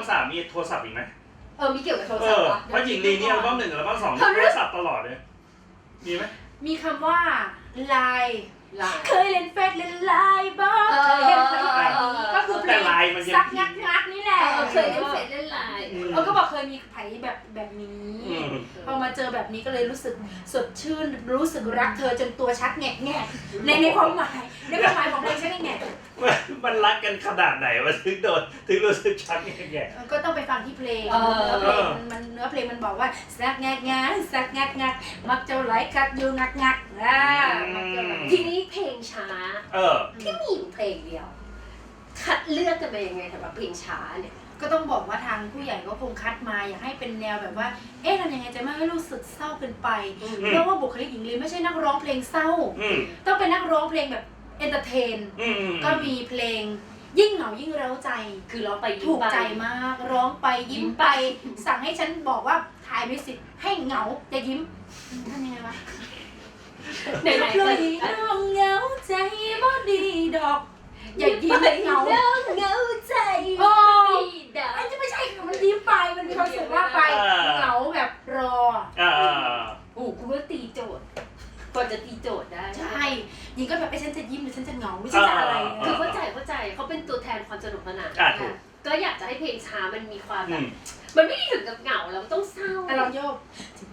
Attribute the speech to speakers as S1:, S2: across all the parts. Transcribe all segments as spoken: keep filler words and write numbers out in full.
S1: สามมีโทรศัพท์อีกไหม
S2: เออมีเกี่ยวกับโทรศัพท์
S1: เพราะหญิงลีนี่อัลบั้มหนึ่งอัลบั้มสองโทรศัพท์ตลอดเลยมีไหม
S3: มีคำว่าไลน์เคยเล่นเฟซเล่นไลน์บ้างเคยเห็นเพลงแบบนี้ก็คือเพลงซักงักงักนี่แหละ
S2: เคยเล่นเฟซเล่นไลน์
S3: เออก็บอกเคยมีไผ่แบบแบบนี้พอมาเจอแบบนี้ก็เลยรู้สึกสดชื่นรู้สึกรักเธอจนตัวชักแงกแงกในในความหมายในความหมายของเพลงชักแงก
S1: มันรักกันขนาดไหนวะถึงโดนถึงรู้สึกชักแงกแงก
S3: ก็ต้องไปฟังที่เพลงเนื้อเพลงมันเนื้อเพลงมันบอกว่าซักแงกงักซักงักงักมักเจ้าไหลคักอยู่งักงักอ่า
S2: ทีนี้เพลงช้า
S1: เออ
S2: ที่มีอยู่เพลงเดียวคัดเลือกกันไปยังไงสำหรับเพลงช้าเนี่ย
S3: ก็ต้องบอกว่าทางผู้ใหญ่ก็คงคัดมาอยากให้เป็นแนวแบบว่าเอ๊ะทำยังไงจะไม่ให้รู้สึกเศร้าเกินไปเพราะว่าบุคลิกหญิงลีไม่ใช่นักร้องเพลงเศร้าต้องเป็นนักร้องเพลงแบบเอนเตอร์เทนก็มีเพลงยิ่งเหงายิ่งเร้าใจ
S2: คือร้องไป
S3: ถูกใจมากร้องไปยิ้มไปสั่งให้ฉันบอกว่าถ่ายมิวสิกให้เหงาอย่ายิ้มทำยังไงวะ
S2: ไหนไหน
S3: เลยน้องเหงาใจบ่ดีดอกอย่ายิ้มเหงา
S2: เหงาใจ
S3: บ่ดีดอกมันจะไม่ใช่มันยิ้มไปมันมีความสุขมากไปเหงาแบบรอ
S1: อ่า
S2: โอ้กูว่าตีโจทย์กว่าจะตีโจทย์ได้
S3: ใช่ยิงก็แบบไอ้ฉันจะยิ้มหรือฉันจะเหงาไม่ใช่จะอะไร
S2: คือเข้าใจเข้าใจเขาเป็นตัวแทนความสนุกสนานก็อยากจะให้เพลงช้ามันมีความแบบมันไม่ได้ถึงกับเหงาแล้วต้องเศร้า
S3: แต่เราโยก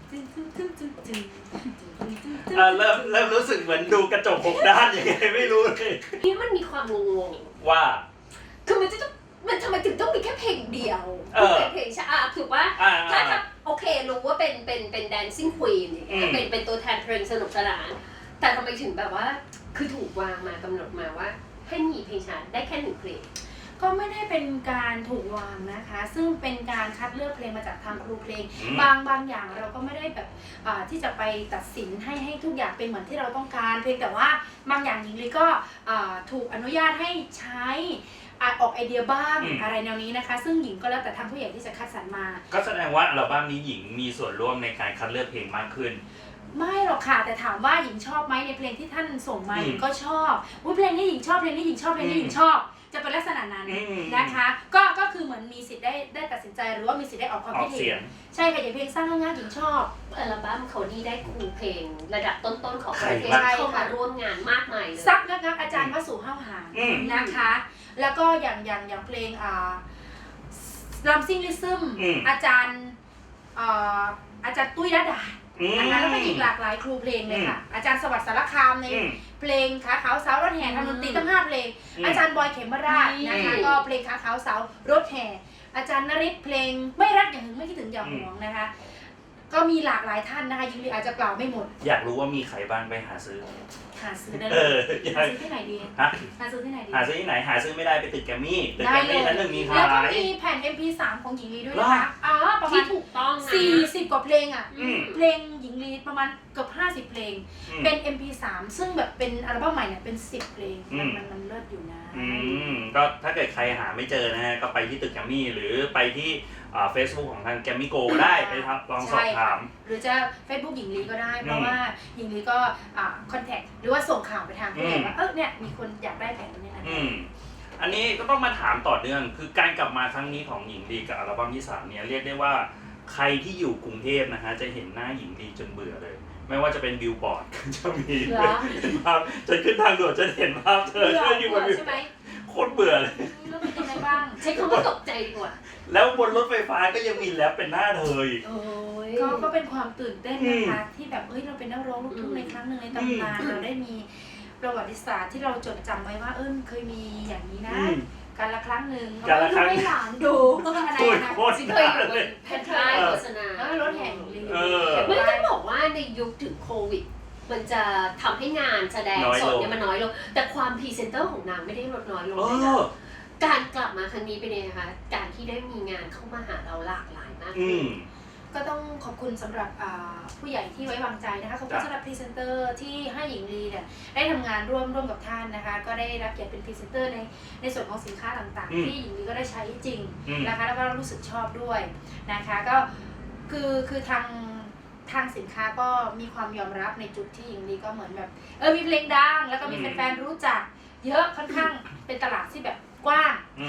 S1: เริ่มเริ่มรู้สึกเหมือนดูกระจกหกด้านยังไงไม่รู้เลย
S2: นี่มันมีความงง
S1: ว่า
S2: คือมันจะต้องมันทำไมถึงต้องมีแค่เพลงเดียวเป็นเพลงช้าถูกว่าถ้าถ้าโอเครู้ว่าเป็นเป็นเป็นแดนซิ่งควีนอย่างเงี้ยเป็นเป็นตัวแทนเพลงสนุกสนานแต่ทำไมถึงแบบว่าคือถูกวางมากำหนดมาว่าให้มีเพลงช้าได้แค่หนึ่งเพลง
S3: ก็ไม่ได้เป็นการถูกวางนะคะซึ่งเป็นการคัดเลือกเพลงมาจากทางครูเพลงบางบางอย่างเราก็ไม่ได้แบบที่จะไปตัดสินให้ให้ทุกอย่างเป็นเหมือนที่เราต้องการเพียงแต่ว่าบางอย่างหญิงลีก็ถูกอนุญาตให้ใช้ออกไอเดียบ้างอะไรแนวนี้นะคะซึ่งหญิงก็แล้วแต่ทางผู้ใหญ่ที่จะคัดสรรมา
S1: ก็แสดงว่าอัลบั้มนี้หญิงมีส่วนร่วมในการคัดเลือกเพลงมากขึ้น
S3: ไม่หรอกค่ะแต่ถามว่าหญิงชอบไหมในเพลงที่ท่านส่งมาหญิงก็ชอบว่าเพลงนี้หญิงชอบเพลงนี้หญิงชอบเพลงนี้หญิงชอบจะเป็นลักษณะนั้นนะคะก็ก็คือเหมือนมีสิทธิ์ได้ได้ตัดสินใจหรือว่ามีสิทธิ์ได้ออกความคิดเห็นใช่ค่ะอย่างเพลงสร้างงานหญิงชอบ
S2: อัลบั้มเขานี่ได้ครูเพลงระดับต้นๆของประเทศเข้ามาร่วมงานมากมายเลย
S3: ซักงักงักอาจารย์วสุห้าวหางนะคะแล้วก็อย่างอย่างอย่างเพลงอ่าลัมซิงลิซึมอาจารย์อ่าอาจารย์ตุ้ยระดานะคะแล้วก็อีกหลากหลายครูเพลงเลยค่ะอาจารย์สวัสดิ์สารคามในเพลงขาขาวสาวรถแห่ทำดนตรีตั้งห้าเพลงอาจารย์บอยเขมราชนะคะก็เพลงขาขาวสาวรถแห่อาจารย์นฤทธิ์เพลงไม่รักอย่างหึงไม่คิดถึงอย่าห่วงนะคะก็มีหลากหลายท่านนะคะยิงลีอาจจะกล่าวไม่หมด
S1: อยากรู้ว่ามีใครบ้างไปหาซื้อ
S3: หาซื้อได้เลยหาซื้อที่ไหนดีฮะหาซื้อที่ไหนดี
S1: หาซื้อที่ไหนหาซื้อไม่ได้ไปตึกแกมมี่ตึกแกมมี่ชั้นหนึ่งมีขาย
S3: แล้วก็มีแผ่น เอ็ม พี สาม ของหญิงลีด้วยนะคะอ๋อประมาณ
S2: ถูกต้อง
S3: สี่สิบกว่าเพลงอ่ะเพลงหญิงลีประมาณเกือบห้าสิบเพลงเป็น เอ็ม พี สาม ซึ่งแบบเป็นอัลบั้มใหม่เนี่ยเป็นสิบเพลงมันมันมันเลิศอยู่นะ
S1: อืมก็ถ้าเกิดใครหาไม่เจอนะฮะก็ไปที่ตึกแกมมี่หรือไปที่เฟซบุ๊กของทางแกมมี่โกได้ไปทำลองสอบถาม
S3: หรือจะ Facebook หญิงลีก็ได้เพราะว่าหญิงลีก็คอนแทคหรือว่าส่งข่าวไปทางผู้ใหญ่ว่าเออเนี่ยมีคนอยากได้แผ่นนี้นะ
S1: อันนี้ก็ต้องมาถามต่อเนื่องคือการกลับมาครั้งนี้ของหญิงลีกับอัลบั้มที่สามเนี่ยเรียกได้ว่าใครที่อยู่กรุงเทพนะฮะจะเห็นหน้าหญิงลีจนเบื่อเลยไม่ว่าจะเป็นบิลบอร์ดจะมีภาพจะขึ้นทางด่วนจะเห็นภาพเธออยู่บนใช่ไหมโคตรเบื่อเลย
S3: แล้วเป็นยังไงบ้าง
S2: ใช้คำว่าตกใจดีกว่า
S1: แล้วบนรถไฟฟ้าก็ยังมีแรปเป็นหน้าเธออีก
S3: ก็ก็เป็นความตื่นเต้นนะคะที่แบบเอ้ยเราเป็นนักร้องลูกทุ่งในครั้งหนึ่งในตำนานเราได้มีประวัติศาสตร์ที่เราจดจำไว้ว่าเอิ้นเคยมีอย่างนี้นะการละครั้งหนึ่ง
S1: การละครั้ง
S3: ให้หลานดูอะไรนะ
S2: สิ่งเคยอยู่บนแผ่นป้ายโฆษณา
S3: แล้วรถแห่งลี
S2: ไม่ต้องบอกว่าในยุคถึงโควิดมันจะทำให้งานแสดงสดเนี่ยมันน้อยลงแต่ความพรีเซนเตอร์ของนางไม่ได้ลดน้อยลงเลยนะการกลับมาครั้งนี้เป็นยังไงคะการที่ได้มีงานเข้ามาหาเราหลากหลายมากขึ้น
S3: ก็ต้องขอบคุณสำหรับผู้ใหญ่ที่ไว้วางใจนะคะขอบคุณสำหรับพรีเซนเตอร์ที่ให้หญิงลีเนี่ยได้ทำงานร่วมร่วมกับท่านนะคะก็ได้รับเกียรติเป็นพรีเซนเตอร์ในในส่วนของสินค้าต่างๆที่หญิงลีก็ได้ใช้จริงนะคะแล้วก็รู้สึกชอบด้วยนะคะก็คือคือทางทางสินค้าก็มีความยอมรับในจุดที่หญิงลีก็เหมือนแบบเออมีเพลงดังแล้วก็มีแฟนๆรู้จักเยอะค่อนข้างเป็นตลาดที่แบบกว้างค่ะ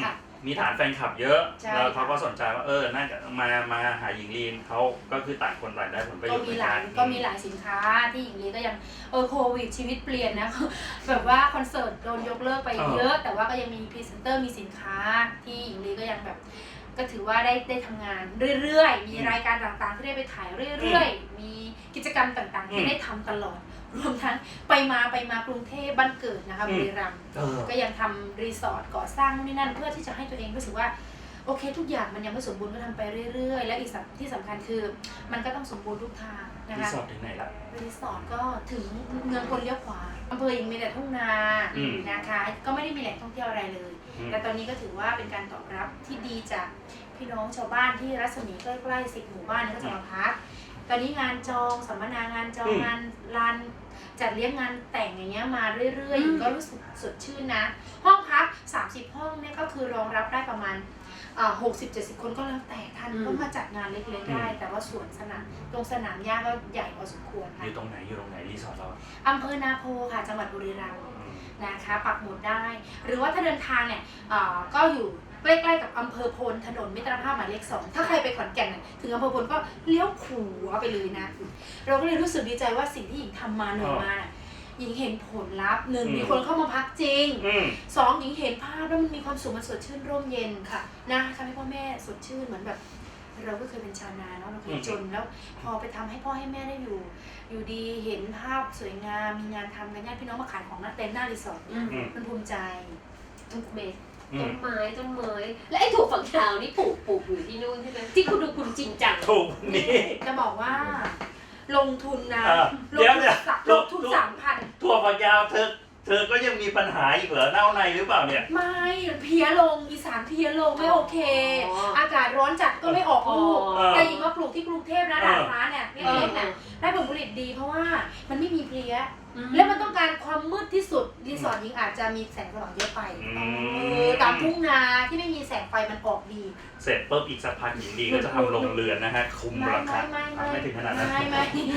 S1: มีฐานแฟนคลับเยอะ
S3: ใช่
S1: แล้วเขาก็สนใจว่าเออน่าจะมามาหาหญิงลีนเขาก็คือต่างคนต่างได้ผลประโย
S3: ก็
S1: ชน์เห
S3: มี
S1: มือน
S3: ห
S1: กั
S3: ลาย
S1: น
S3: ก็มีหลายสินค้าที่หญิงลีก็ยังเออโควิดชีวิตเปลี่ยนนะ แบบว่าคอนเสิร์ตโดนยกเลิกไปเยอะ แต่ว่าก็ยังมีพรีเซนเตอร์มีสินค้าที่หญิงลีก็ยังแบบก็ถือว่าได้ได้ทำงานเรื่อยๆ มีรายการต่างๆที่ได้ไปถ่ายเรื่อยๆ มีกิจกรรมต่างๆ ที่ได้ทำตลอด รวมทั้งไปมาไปมากรุงเทพบ้านเกิดนะคะบุรีรัมย์ก็ยังทำรีสอร์ทก่อสร้างนู่นนี่นั่นเพื่อที่จะให้ตัวเองรู้สึกว่าโอเคทุกอย่างมันยังไม่สมบูรณ์ก็ทำไปเรื่อยๆ และอีกที่สำคัญคือมันก็ต้องสมบูรณ์ทุกทางนะ
S1: รี
S3: คะ
S1: สอร์ทถึงไหนละ
S3: รีสอร์ทก็ถึงเมืองคนเลี้ยวขวาอำเภอยังมีแต่ทุ่งนานะคะก็ไม่ได้มีแหล่งท่องเที่ยวอะไรเลย แต่ตอนนี้ก็ถือว่าเป็นการตอบรับที่ดีจากพี่น้องชาวบ้านที่รัศมีใกล้ๆสิบหมู่บ้านก็จะมาพักตอนนี้งานจองสัมมนางานจองงานลานจัดเลี้ยงงานแต่งอย่างเงี้ยมาเรื่อยๆก็รู้สึกสดชื่นนะห้องพักสามสิบห้องเนี่ยก็คือรองรับได้ประมาณหกสิบเจ็ดสิบคนก็แล้วแต่ท่านก็มาจัดงานเล็กๆได้แต่ว่าสวนสนามตรงสนามหญ้าก็ใหญ่พอสมควร
S1: อ
S3: ค่ะ
S1: ยู่ตรงไหนอยู่ตรงไหนรีสอร์ทเรา
S3: อำเภอนาโพค่ะจังหวัดบุรีรัมย์นะคะปักหมุดได้ หรือว่าถ้าเดินทางเนี่ยก็อยู่ใกล้ๆกับอำเภอพลถนนมิตรภาพหมายเลขสองถ้าใครไปขอนแก่นถึงอำเภอพลก็เลี้ยวขวาไปเลยนะเราก็เลยรู้สึกดีใจว่าสิ่งที่หญิงทำมาเหนื่อยมาหญิงเห็นผลลัพธ์หนึ่งมีคนเข้ามาพักจริงสองหญิงเห็นภาพแล้วมันมีความสุขมันสดชื่นร่มเย็นค่ะนะทำให้พ่อแม่สดชื่นเหมือนแบบเราก็เคยเป็นชาวนาเนาะเราเคยจนแล้วพอไปทำให้พ่อให้แม่ได้อยู่อยู่ดีเห็นภาพสวยงามมีงานทำกันญาติพี่น้องมาขายของหน้าเต็นท์หน้ารีสอร์ทมันภูมิใจ
S2: ทุกเม็ดต้นไม้ต้นเมยและไอ้ถั่วฝักยาวนี่ปลูกปลูกอยู่ที่นู่นใช่ไหมที่คุณดูคุณจริงจัง
S1: ถูกนี่
S3: จะบอกว่าลงทุนนะล
S1: เดี๋
S3: ง
S1: ยว
S3: ทุน
S1: เนี่ย
S3: ลงทุนสามพัน
S1: ถั่วฝักยาวเธอเธอก็ยังมีปัญหาอีกเหรอเน่าในหรือเปล่าเนี่ย
S3: ไม่เพี้ยลงอีสานเพี้ยลงไม่โอเค อากาศร้อนจัดก็ไม่ออกลูกแต่หญิงมาปลูกที่กรุงเทพนะด่านฟ้าเนี่ยเล็กๆเนี่ยได้ผลผลิตดีเพราะว่ามันไม่มีเพลี้ยและมันต้องการความมืดที่สุดรีสอร์ทหญิงอาจจะมีแสงสว่างเยอะไปตามทุ่งนาที่ไม่มีแสงไฟมันออกดี
S1: เสร็จปุ๊บอีกสักพักหญิงดีก็จะทำโรงเรือนนะฮะคุมราคาไม่ถึงขนาดนั้น
S3: ไม่ไม่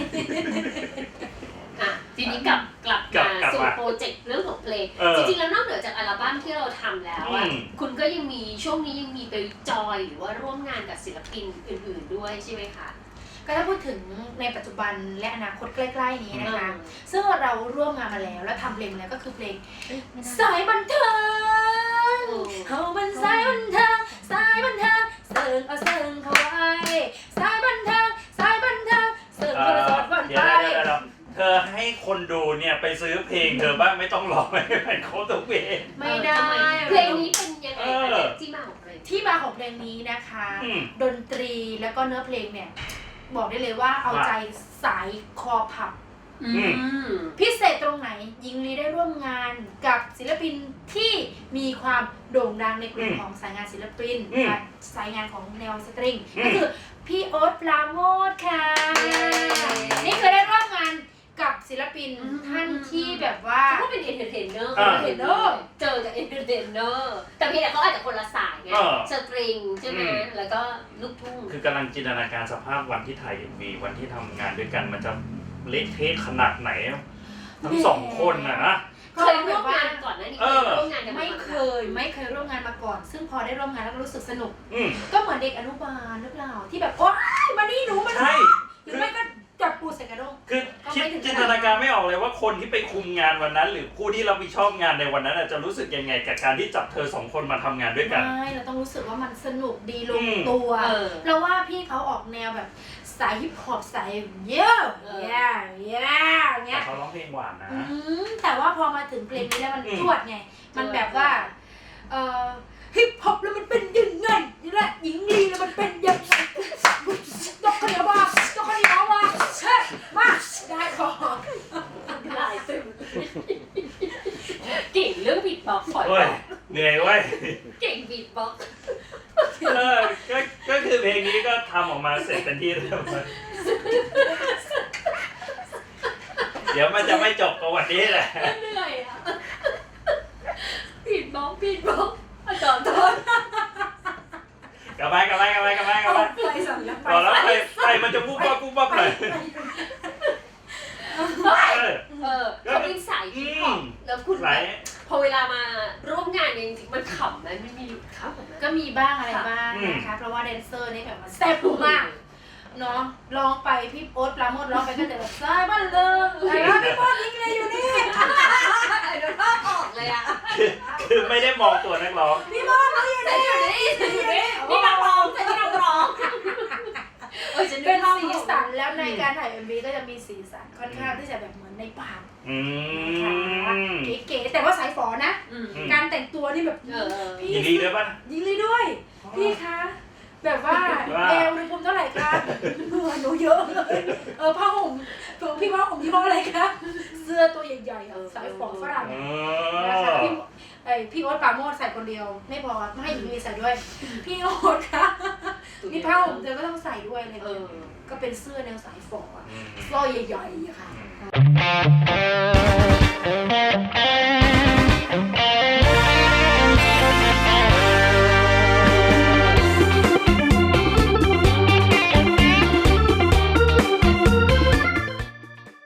S2: อ่ะทีนี้กลับกลับมาสู่โปรเจกต์เรื่องของเพลงจริงๆแล้วนอกเหนือจากอัลบั้มที่เราทำแล้วอ่ะคุณก็ยังมีช่วงนี้ยังมีไปจอยหรือว่าร่วมงานกับศิลปินอื่นๆด้วยใช่ไหมคะ
S3: ก็ถ้าพูดถึงในปัจจุบันและอนาคตใกล้ๆนี้นะคะซึ่งเราร่วมงานมาแล้วและทำเพลงแล้วก็คือเพลงสายบันเทิงเฮามันสายบันเทิงสายบันเทิงเสิร์งเอาเสิร์งเข้าไว้สายบันเทิงสายบันเทิงเสิร์งโทรศัพท์วันไป
S1: เธอให้คนดูเนี่ยไปซื้อเพลงเธอบ้างไม่ต้องรอไม่เป็นโค้ดตัวเพลง
S3: ไม่ได้
S2: เพลงนี้เป็นยังไงที่มาของเพลง
S3: ที่มาของเพลงนี้นะคะดนตรีแล้วก็เนื้อเพลงเนี่ยบอกได้เลยว่าเอาใจสายคอผับพิเศษตรงไหนหญิงลีได้ร่วมงานกับศิลปินที่มีความโด่งดังในกลุ่มของสายงานศิลปินสายงานของแนวสตริงก็คือพี่โอ๊ตปราโมทค่ะนี่เคยได้ร่วมงานกับศิลปินท่านที่แบบว่า
S2: เขาเป็นเอนเตอร์เทนเนอร์เอนเตอร์เทนเนอร์เจอกับเอนเตอร์เทนเนอร์แต่เพียงแต่เขาอาจจะคนละสายไงสตริงใช่ไหมแล้วก็ลูกทุ่ง
S1: คือกำลังจินตนาการสภาพวันที่ถ่ายเอ็มวีวันที่ทำงานด้วยกันมันจะเละเทะขนาดไหนทั้งสองคนนะนะ
S2: เคยร่วมงานก่อนนะนี่เคยร่วมงานกัน
S3: ไม่เคยไม่เคยร่วมงานมาก่อนซึ่งพอได้ร่วมงานแล้วก็รู้สึกสนุกก็เหมือนเด็กอนุบาลหรือเปล่าที่แบบโอ๊ยมานี่หนูมา
S1: ใช่
S3: หรือไม่ก็จับปูใส่กระด้ง
S1: คือคิดจินตนาการไม่ออกเลยว่าคนที่ไปคุมงานวันนั้นหรือผู้ที่รับผิดชอบงานในวันนั้นจะรู้สึกยังไงกับการที่จับเธอสองคนมาทำงานด้วยกัน
S3: ไม่เราต้องรู้สึกว่ามันสนุกดีลงตัวเราว่าพี่เขาออกแนวแบบสายฮิปฮอปสายเยอะเยอะเยอะเงี้ย
S1: แต่เขาร้องเพลงหวานนะ
S3: แต่ว่าพอมาถึงเพลงนี้แล้วมันจวดไงมันแบบว่าเอ่อฮิปฮอปแล้วมันเป็นยังไงนี่แหละหญิงลีแล้วมันเป็นยังไงยกคนเดียวว่ายกคนเดียวว่าเฮ้ยมาได้ขอ
S2: ลายตึงเก่งเรื่องบีทบ็อกซ์
S1: โอ้ยเหนื่อยเว้ย
S2: เก่งบีทบ็อกซ์
S1: เออก็ก็คือเพลงนี้ก็ทำออกมาเสร็จเป็นที่เรียบร้อยเดี๋ยวมันจะไม่จบกับวันนี้แหละ
S2: เหนื่อยอ่ะบีทบ็อกซ์บีทบ็อกซ์อาจารย์โทษ
S1: กลับไปกลับไปกลับไปกลับไปกลับไปต่อแล้วไปไปมันจะปุ๊บปั๊บปุ๊บปั๊บเลย
S2: เออเขาเป็นสายฮิปฮอปแล้วคุณพออเวลามาร่วมงานเนี่ยจริงๆมันขำไหมมันมีหลุดขำไหม
S3: ก็มีบ้างอะไรบ้างนะคะเพราะว่าแดนเซอร์นี่แบบว่าแซ่บมากเนาะร้องไปพี่โอ๊ตปราโมทร้องไปก็จะแบบซ้ายบ้านเลิงแล้วพี่โอ๊ตยิงเลยอยู่นี่
S2: เดี๋ยวเราออกเลยอ่ะ
S1: คือคือไม่ได้มองตัวนักร้อง
S3: พี่โอ๊ตเขาอยู่
S2: ฉัน
S3: นี่
S2: อยู่นี่ฉันอยู่นี่นี่นักร้องฉันนี่นักร้องเออฉัน
S3: เป็นสีสันแล้วในการถ่าย เอ็ม วี ก็จะมีสีสันค่อนข้างที่จะแบบเหมือนในป่า
S1: อืม
S3: เก๋ๆแต่ว่าสายฝอนะ
S2: อืม
S3: การแต่งตัวนี่แบบ
S2: เออ
S3: พี่
S1: ยินดีด้วยป่ะ
S3: ยิงเลยด้วย พี่คะ แบบว่า
S1: ว่า
S3: เอวในภูมิเท่าไหร่คะเหงื่อหนูเยอะเลยเออผ้าห่มพี่ผ้าห่มยี่ห้ออะไรคะเสื้อตัวใหญ่ๆสายฝอฝรั่ง
S1: อ๋อ
S3: นะคะพี่ไอพี่โอ๊ตปราโมทใส่คนเดียว ไม่พอไม่ให้หญิงลีใส่ด้วย พี่โอ๊ตคะนี่ผ้าห่มเธอก็ต้องใส่ด้วยอะไรอย่าง
S2: เอ
S3: เงี้ย
S2: อ
S3: ก็เป็นเสื้อแนวสายฝออะ
S1: อืม
S3: สร้อยใหญ่ๆอะค่ะ